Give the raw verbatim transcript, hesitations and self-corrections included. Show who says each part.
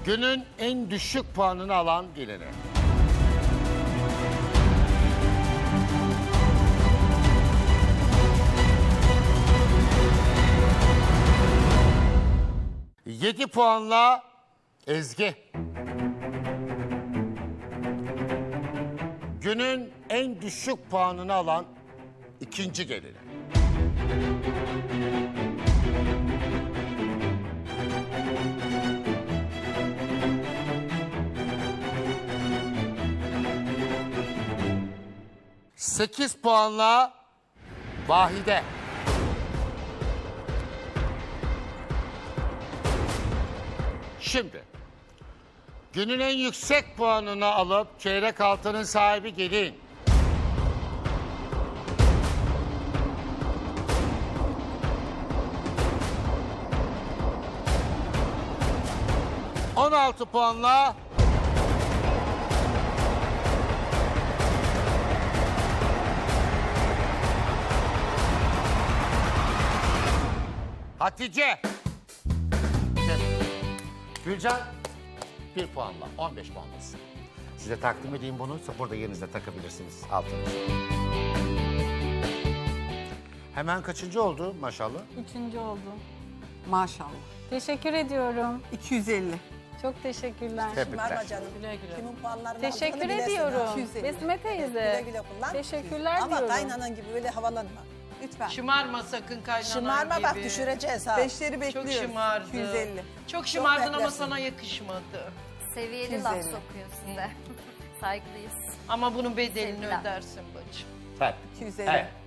Speaker 1: Günün en düşük puanını alan gelini. Yedi puanla Ezgi. Günün en düşük puanını alan ikinci gelini. Sekiz puanla Vahide. Şimdi günün en yüksek puanını alıp çeyrek altının sahibi gelin. On altı puanla Hatice. Gülcan bir puanla, on beş puanlasın. Size takdim edeyim bunu, burada yerinizde takabilirsiniz altınızı. Hemen kaçıncı oldu maşallah?
Speaker 2: Üçüncü oldu.
Speaker 3: Maşallah.
Speaker 2: Teşekkür ediyorum.
Speaker 3: iki yüz elli.
Speaker 2: Çok teşekkürler.
Speaker 1: Tebrikler.
Speaker 4: Verme canım. Güle güle. Kimin puanlarını
Speaker 2: Teşekkür
Speaker 4: aldığını bilesin
Speaker 2: ediyorum.
Speaker 4: ha.
Speaker 3: iki yüz elli.
Speaker 2: Besme teyze.
Speaker 4: Güle güle kullan.
Speaker 2: Teşekkürler
Speaker 4: Ama
Speaker 2: diyorum.
Speaker 4: kaynanan gibi öyle havalanma.
Speaker 3: Lütfen.
Speaker 5: Şımarma sakın kaynanan
Speaker 4: Şımarma
Speaker 5: gibi.
Speaker 4: bak düşüreceğiz ha.
Speaker 3: Beşleri bekliyoruz.
Speaker 5: Çok şımardı.
Speaker 3: iki yüz elli.
Speaker 5: Çok şımardın ama
Speaker 4: beklersin.
Speaker 5: sana yakışmadı.
Speaker 6: Seviyeli laf sokuyor size. Saygılıyız.
Speaker 5: Ama bunun bedelini
Speaker 6: Sevgiler.
Speaker 5: ödersin bacım.
Speaker 1: Evet.
Speaker 3: iki yüz elli.
Speaker 1: Evet.